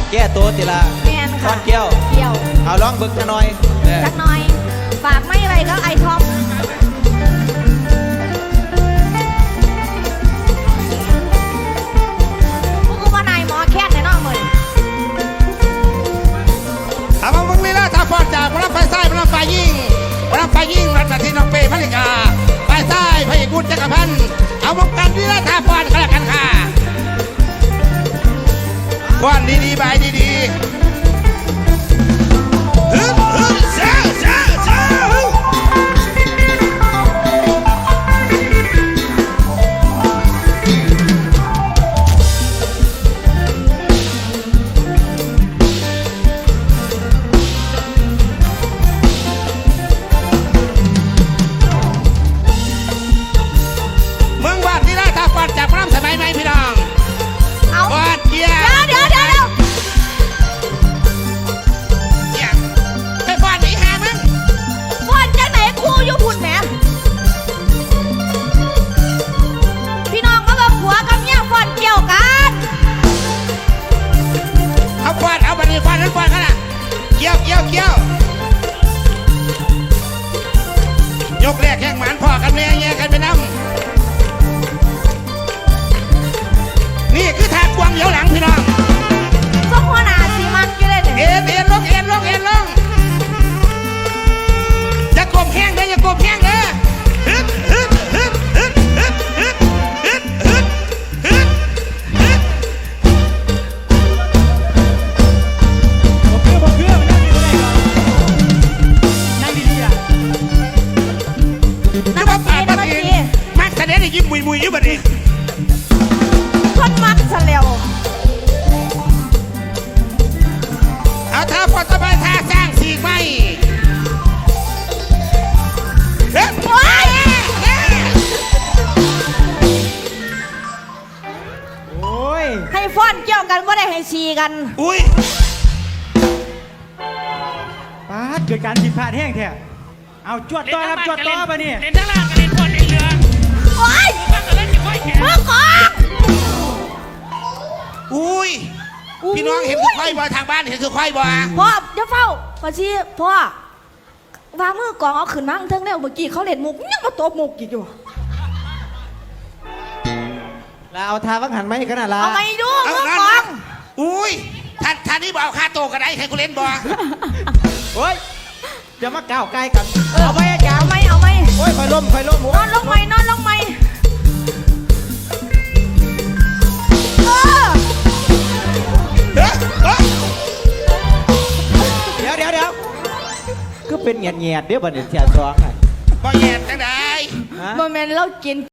แก้ตัวติละแมนก้ค่ะอนเกี้ยวเกี่ยวเอาร้องบึกจะหน่อยเนี่ยจักหน่อย ฝากไม่ไว้ก็ไอท็อปพวกกูว่านายหมอแค่นในนอกมือถามว่ามึงลีลาท่าฟอนจากพระไฟซ้ายพระไฟยิ่งพระไฟยิ่งรัตนทีน้องเป้พระลิกาไฟซ้ายพระเอกบุญจักรพันธ์เอาวงการลีลาท่าฟอนกันแล้วกันค่ะฟอนดีๆบายดีๆฮึบฮึบเจ้าเจ้าเจ้ามึงวาดลีลาท่าฟอนจากพระรำสมัยไหมพี่น้องเอาวาดเดียวเดี๋ยวไปฟอนหนีหามึงฟอนจังไหนครูอยู่พุ่นแหมพี่น้องมาบอกผัวกับเมียฟอนเกี่ยวกันเอาฟอนเอาบันนี้ฟอนนั่นฟอนกันนะเกี่ยวเกี่ยวเกี่ยวยกแรกแข่งหมันพ่อกันแม่แย่กันไปน้ำนี่คือทางกวางเหลียวหลังพี่น้องส้มหัวหน้าสีมันอยู่เลยเนี่ยเอ็นลงเอ็นลงเอ็นลงอย่ากลมแห้งเด้ออย่ากลมแห้งเด้อฮึดฮึดฮึดฮึดฮึดฮึดฮึดฮึดฮึดฮึดบอกเกลือมันนั่งดีๆล่ะนักดนตรีนักดนตรีมักแสดงได้ยิ้มมุยมุยอยู่บัดนี้คนมักซะแล้วเอาท่าพอสบายท่าสร้างสีไม้เฮ้ยโอ๊ยโอ้ยให้ฟอนเกี่ยวกันว่าได้ให้ชีกันอุ้ยป้าดเกิดการผิดพลาดแห้งแท้เอาจวดต่อครับจวดต่อมาเนี่ยเล่นทั้งล่างกับเล่นบนเล่นเรือโอ๊ยฟังกันเล่นจะค่อยแข็งมือกองอุ้ยพี่น้องเห็นคือควายบ่ทางบ้านเห็นคือควายบ่พ่อเดี๋ยวเฝ้าพอชีพ่อวางมือกองเอาขึ้นมาเทิงแล้วเมื่อกี้เขาเล่นมุกยังมาตบมุกอีกอยู่แล้วเอาทาวังหันไหมขนาดละเอาไม่ดูมือกองอุ้ยท่านนี่บ่เอาค่าโตกันได้ใครกูเล่นบ่โอ้ยอย่ามาก้าวไกลกันเอาไปอาจารย์เอาไหมโอ้ยคอยล้มโอ้นอนลงไหมนอนลงไหมเออเฮ้ยเฮ้ยเดี๋ยวก็เป็นเงียดเดี๋ยวบัดนี้เสียสองอ่ะบ่แย่จังไดฮะโมเมนต์เรากิน